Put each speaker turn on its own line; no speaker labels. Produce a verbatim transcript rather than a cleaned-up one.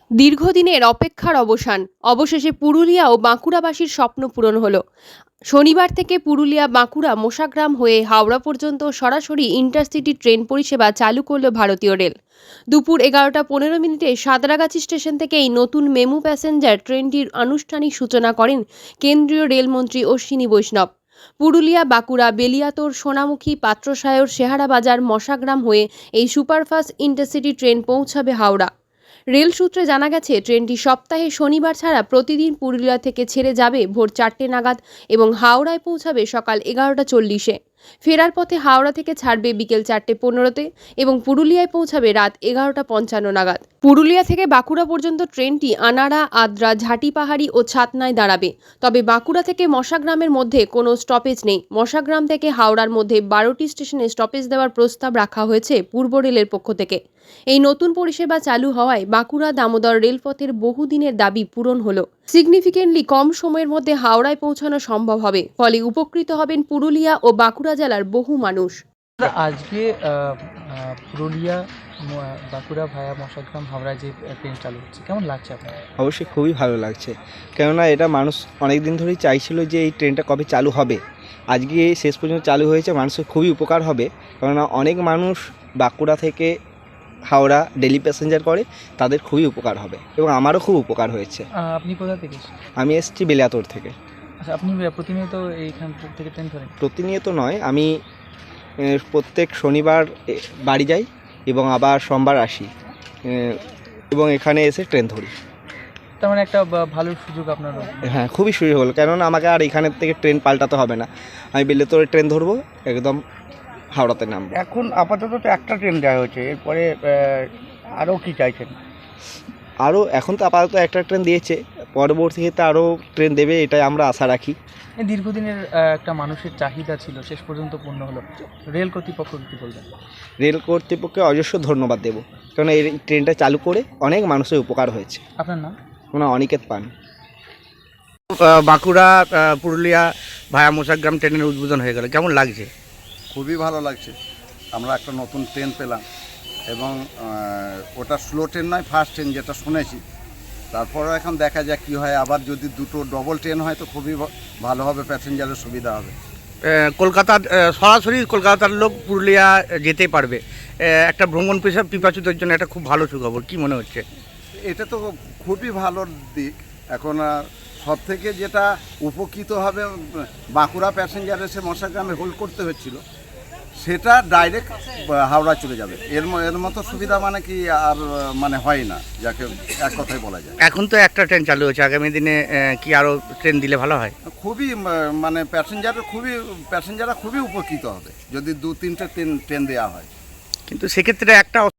দীর্ঘদিনের অপেক্ষার অবসান। অবশেষে পুরুলিয়া ও বাঁকুড়াবাসীর স্বপ্ন পূরণ হলো। শনিবার থেকে পুরুলিয়া বাঁকুড়া মোশাগ্রাম হয়ে হাওড়া পর্যন্ত সরাসরি ইন্টারসিটি ট্রেন পরিষেবা চালু করল ভারতীয় রেল। দুপুর এগারোটা পনেরো মিনিটে সাঁতরাগাছি স্টেশন থেকে এই নতুন মেমু প্যাসেঞ্জার ট্রেনটির আনুষ্ঠানিক সূচনা করেন কেন্দ্রীয় রেলমন্ত্রী অশ্বিনী বৈষ্ণব। পুরুলিয়া বাঁকুড়া বেলিয়াতোড় সোনামুখী পাত্রসায়র শেহারাবাজার মশাগ্রাম হয়ে এই সুপারফাস্ট ইন্টারসিটি ট্রেন পৌঁছাবে হাওড়া। রেল সূত্রে জানা গেছে, ট্রেনটি সপ্তাহে শনিবার ছাড়া প্রতিদিন পুরুলিয়া থেকে ছেড়ে যাবে ভোর চারটে নাগাদ এবং হাওড়ায় পৌঁছাবে সকাল এগারোটা চল্লিশে। ফেরার পথে হাওড়া থেকে ছাড়বে বিকেল চারটে পনেরোতে এবং পুরুলিয়ায় পৌঁছাবে রাত এগারোটা পঞ্চান্ন নাগাদ। পুরুলিয়া থেকে বাঁকুড়া পর্যন্ত ট্রেনটি আনাড়া, আদ্রা, ঝাটিপাহাড়ি ও ছাতনায় দাঁড়াবে। তবে বাঁকুড়া থেকে মশাগ্রামের মধ্যে কোনো স্টপেজ নেই। মশাগ্রাম থেকে হাওড়ার মধ্যে বারোটি স্টেশনে স্টপেজ দেওয়ার প্রস্তাব রাখা হয়েছে পূর্ব রেলের পক্ষ থেকে। এই নতুন পরিষেবা চালু হওয়ায় বাঁকুড়া দামোদর রেলপথের বহুদিনের দাবি পূরণ হলো। সিগনিফিকেন্টলি কম সময়ের মধ্যে হাওড়ায় পৌঁছানো সম্ভব হবে, ফলে উপকৃত হবেন পুরুলিয়া ও বাঁকুড়া জেলার বহু মানুষ।
আজকে পুরুলিয়া বাঁকুড়া ভায়া মশাগ্রাম হাওড়া যে ট্রেন চালু হচ্ছে, কেমন লাগছে আপনার?
অবশ্যই খুবই ভালো লাগছে, কেননা এটা মানুষ অনেক দিন ধরেই চাইছিল যে এই ট্রেনটা কবে চালু হবে। আজকে শেষ পর্যন্ত চালু হয়েছে, মানুষের খুবই উপকার হবে। কেননা অনেক মানুষ বাঁকুড়া থেকে হাওড়া ডেলি প্যাসেঞ্জার করে, তাদের খুবই উপকার হবে এবং আমারও খুব উপকার হয়েছে।
আপনি কোথা থেকে?
আমি এসেছি বেলিয়াতোড় থেকে।
আচ্ছা, আপনি প্রতিনিয়ত এইখান থেকে ট্রেন ধরেন?
প্রতিনিয়ত নয়, আমি প্রত্যেক শনিবার বাড়ি যাই এবং আবার সোমবার আসি এবং এখানে এসে ট্রেন ধরি।
তার মানে একটা ভালো সুযোগ আপনার?
হ্যাঁ, খুবই সুযোগ হলো, কেননা আমাকে আর এখানের থেকে ট্রেন পাল্টাতে হবে না। আমি বেলিয়াতোড়ে ট্রেন ধরবো, একদম হাওড়াতে নামবো।
এখন আপাতত তো একটা ট্রেন দেওয়া হয়েছে, এরপরে আরও কি চাইছেন?
আরও এখন তো আপাতত একটা ট্রেন দিয়েছে, পরবর্তীতে আরও ট্রেন দেবে, এটাই আমরা আশা রাখি।
দীর্ঘদিনের একটা মানুষের চাহিদা ছিল, শেষ পর্যন্ত পূর্ণ হলো। রেল কর্তৃপক্ষ কী বলবেন?
রেল কর্তৃপক্ষকে অজস্র ধন্যবাদ দেবো, কারণ এই ট্রেনটা চালু করে অনেক মানুষের উপকার হয়েছে।
আপনার নাম?
ওনার অনিকেত পান।
বাঁকুড়া পুরুলিয়া ভায়া মোশাগ্রাম ট্রেনের উদ্বোধন হয়ে গেল, কেমন লাগছে?
খুবই ভালো লাগছে, আমরা একটা নতুন ট্রেন পেলাম এবং ওটা স্লো ট্রেন নয়, ফাস্ট ট্রেন যেটা শুনেছি। তারপরেও এখন দেখা যাক কী হয়। আবার যদি দুটো ডবল ট্রেন হয় তো খুবই ভালো হবে, প্যাসেঞ্জারের সুবিধা হবে।
কলকাতার সরাসরি কলকাতার লোক পুরুলিয়া যেতে পারবে, একটা ভ্রমণ পিপাসুদের জন্য একটা খুব ভালো সুখবর। কী মনে হচ্ছে?
এটা তো খুবই ভালো দিক। এখন সব থেকে যেটা উপকৃত হবে, বাঁকুড়া প্যাসেঞ্জার এসে মশাগ্রামে হোল্ড করতে হচ্ছিল, সেটা ডাইরেক্ট হাওড়া চলে যাবে। এর এর মতো সুবিধা মানে কি আর মানে হয় না, যাকে এক কথায় বলা যায়।
এখন তো একটা ট্রেন চালু হচ্ছে, আগামী দিনে কি আরও ট্রেন দিলে ভালো হয়?
খুবই মানে প্যাসেঞ্জারের খুবই প্যাসেঞ্জাররা খুবই উপকৃত হবে যদি দু তিনটে ট্রেন ট্রেন দেওয়া হয়।
কিন্তু সেক্ষেত্রে একটা